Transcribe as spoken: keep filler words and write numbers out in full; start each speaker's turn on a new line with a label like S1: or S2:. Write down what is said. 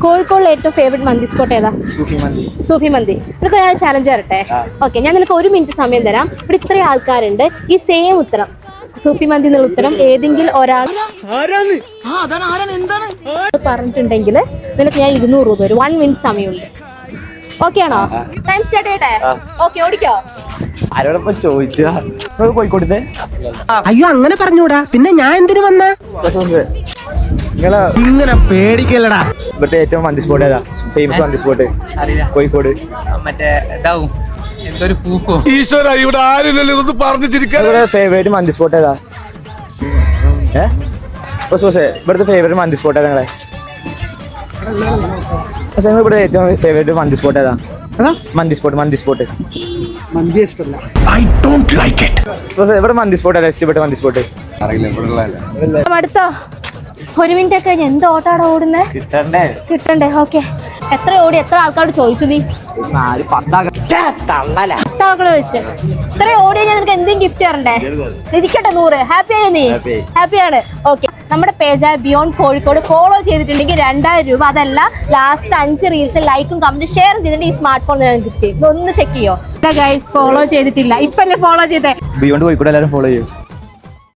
S1: കോഴിക്കോടിലെ ഏറ്റവും ഫേവറേറ്റ് മന്തി സ്പോട്ട് ഏതാ?
S2: സൂഫി മന്തി.
S1: സൂഫി മന്തി. നിനക്ക് ഞാൻ ചാലഞ്ച് തരട്ടെ? ഓക്കെ, ഞാൻ നിനക്ക് ഒരു മിനിറ്റ് സമയം തരാം. ഇവിടെ ഇത്രയും ആൾക്കാരുണ്ട്, ഈ സെയിം ഉത്തരം സൂഫി മന്തി എന്നുള്ള ഉത്തരം ഏതെങ്കിലും ഒരാൾ പറഞ്ഞിട്ടുണ്ടെങ്കിൽ നിനക്ക് ഞാൻ ഇരുന്നൂറ് രൂപ വരും. വൺ മിനിറ്റ് സമയമുണ്ട്. ഓക്കെ ആണോ? ടൈം സ്റ്റാർട്ട് ചെയ്യട്ടെ? ഓക്കെ, ഓടിക്കോ.
S2: ആരോടൊപ്പം ചോദിച്ചാ കോഴിക്കോട്ടത്തെ?
S3: അയ്യോ, അങ്ങനെ പറഞ്ഞൂടാ. പിന്നെ ഞാൻ എന്തിനു വന്ന?
S2: നിങ്ങളെ
S3: ഇങ്ങനെ പേടിക്കല്ലടാ.
S2: ഇവിടുത്തെ ഏറ്റവും മന്തി സ്പോട്ട് ഏതാ? ഫേമസ് മന്തി സ്പോട്ട് കോഴിക്കോട്.
S4: മറ്റേ ഇതാവും എന്തൊരു പൂക്കോ.
S5: ഈശ്വര, ഇവിടെ ആരില്ലല്ലോ ഇതൊന്നും പറഞ്ഞു ചിരിക്കാൻ.
S2: ഫേവറേറ്റ് മന്തി സ്പോട്ട് ഏതാ? ഏഹ് ഇവിടുത്തെ ഫേവറേറ്റ് മന്തി സ്പോട്ട് ഏതാ നിങ്ങളെ? ഇവിടെ ഏറ്റവും ഫേവറേറ്റ് മന്തി സ്പോട്ട് ഏതാ? മന്തി സ്പോട്ട് മന്തി സ്പോട്ട്
S3: മന്തി ഇഷ്ടമല്ല.
S5: I don't like it.
S2: ഇവിടെ മന്തി സ്പോട്ട് ഏതാ ഇഷ്ടപ്പെട്ട മന്തി സ്പോട്ട്?
S1: അടുത്തോ ഒരു മിനിറ്റ് ഒക്കെ കഴിഞ്ഞ് എന്ത് ഓട്ടാടാ ഓടുന്നത്?
S2: കിട്ടണ്ടേ
S1: കിട്ടണ്ടേ? ഓക്കെ, എത്ര ഓടി? എത്ര ആൾക്കാരോട് ചോദിച്ചു നീ? പത്താൾക്കാട് ചോദിച്ചു. ഇത്ര ഓടിയാ ഞാൻ നിനക്ക് എന്തെങ്കിലും ഗിഫ്റ്റ് തരണ്ടേ? ഇരിക്കട്ടെ നൂറ്. ഹാപ്പി ആയി നീ? ഹാപ്പിയാണ്. ഓക്കെ, നമ്മുടെ പേജായ ബിയോണ്ട് കോഴിക്കോട് ഫോളോ ചെയ്തിട്ടുണ്ടെങ്കിൽ രണ്ടായിരം രൂപ. അതല്ല, ലാസ്റ്റ് അഞ്ച് റീൽസ് ലൈക്കും കമന്റും ഷെയർ ചെയ്തിട്ടുണ്ടെങ്കിൽ ഈ സ്മാർട്ട് ഫോൺ ഗിഫ്റ്റ് ചെയ്യും. ഒന്ന് ചെക്ക് ചെയ്യോ ഗൈസ്? ഫോളോ ചെയ്തിട്ടില്ല, ഇപ്പൊ അല്ലേ ഫോളോ ചെയ്തേ?
S2: ബിയോണ്ട് കോഴിക്കോട് എല്ലാവരും ഫോളോ ചെയ്യും.